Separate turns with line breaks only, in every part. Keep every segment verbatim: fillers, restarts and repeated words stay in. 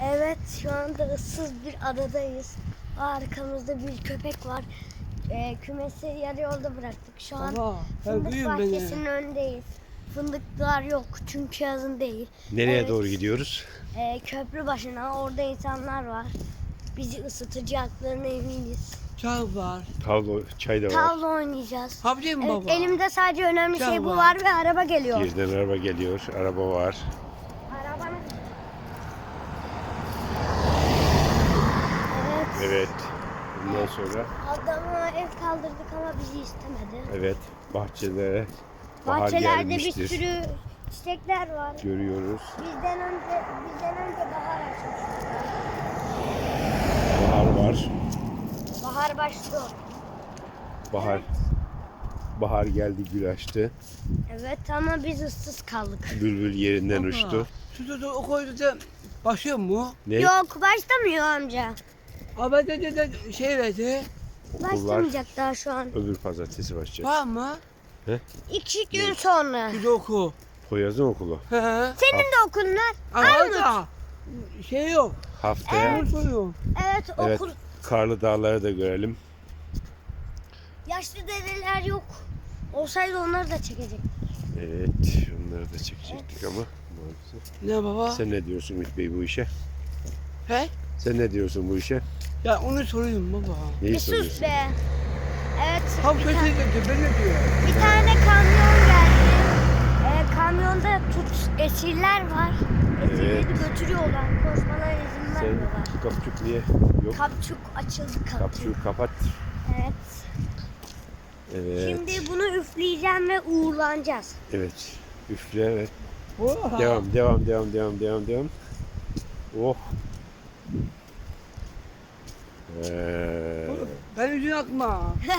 Evet, şu anda ıssız bir adadayız. Arkamızda bir köpek var. Ee, kümesi yarı yolda bıraktık. Şu an
Baba, ben
fındık
duyuyorum
bahçesinin
beni.
önündeyiz. Fındıklar yok çünkü yazın değil.
Nereye
Evet,
doğru gidiyoruz?
e, köprü başına, orada insanlar var. Bizi ısıtacaklarına eminiz.
Çay var.
Tavlo, çay da var.
Tavla oynayacağız.
Havlayayım mı
Evet,
baba?
elimde sadece önemli
Çay
şey bu
var.
var ve araba geliyor.
Geriden araba geliyor, araba var.
Arabanın... Evet.
Evet. Bundan sonra
Adama ev kaldırdık ama bizi istemedi.
evet bahçelere bahar
Bahçelerde bir
gelmiştir.
sürü çiçekler var.
Görüyoruz.
Bizden önce bizden önce bahar açmış.
Bahar var.
Bahar başlıyor.
Bahar. Bahar geldi, gül açtı.
Evet ama biz ıssız kaldık.
Bülbül yerinden
Baba,
uçtu.
Şurada da o koyda da başlıyor mu?
Ne?
Yok başlamıyor amca.
Abi de de, de şey verdi.
Başlamayacak daha şu an.
Öbür pazartesi başlayacak.
Var mı?
İki gün sonra.
Şurada oku.
Poyraz'ın okulu.
He he.
Senin de okullar.
Ama da şey yok.
Haftaya.
Onu soruyorum.
Evet
Evet.
okul.
Karlı dağları da görelim.
Yaşlı dedeler yok. Olsaydı onları da çekecek.
Evet. Onları da çekecektik ama maalesef.
Ne baba?
Sen ne diyorsun Ümit Bey bu işe?
He?
Sen ne diyorsun bu işe?
Ya onu soruyorum baba.
Neyi
Bir sus
soruyorsun?
be. Evet.
Tam
bir,
kötü
ta-
dedi, ben ne diyor?
bir tane kamyon geldi. Ee, kamyonda tut esirler var. Esirleri
Evet.
götürüyorlar. Koşmalarına izin
Sen
vermiyorlar.
kapçuk niye yok?
Kapçuk açıldı kapçuk.
Kapçuğu kapat.
Evet.
Evet.
Şimdi bunu üfleyeceğim ve uğurlanacağız.
Evet. Üfle, evet.
Oha.
Devam, devam, devam, devam, devam, devam. Oh. Ee,
Ben yüzünü atma.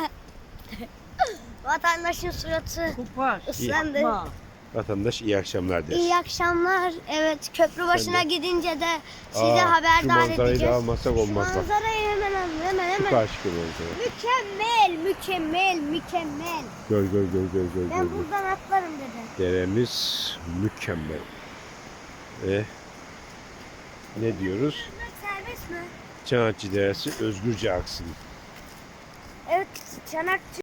Vatandaşın suratı
Kopar.
ıslandı.
Atma.
vatandaş iyi akşamlar der.
İyi akşamlar. Evet, köprü başına
Sen de.
gidince de size
Aa, şu
haberdar
manzarayı da
edeceğiz.
almasak olmaz bak.
Manzarayı hemen alın, hemen
Şu
hemen.
karşı manzara.
Mükemmel, mükemmel, mükemmel.
Gör, gör, gör, gör, gör,
Ben
gör.
buradan atlarım dedi.
Deremiz mükemmel. Ve ne diyoruz?
Bunlar serbest mi?
Çanakçı Deresi özgürce aksın.
Evet, Çanakçı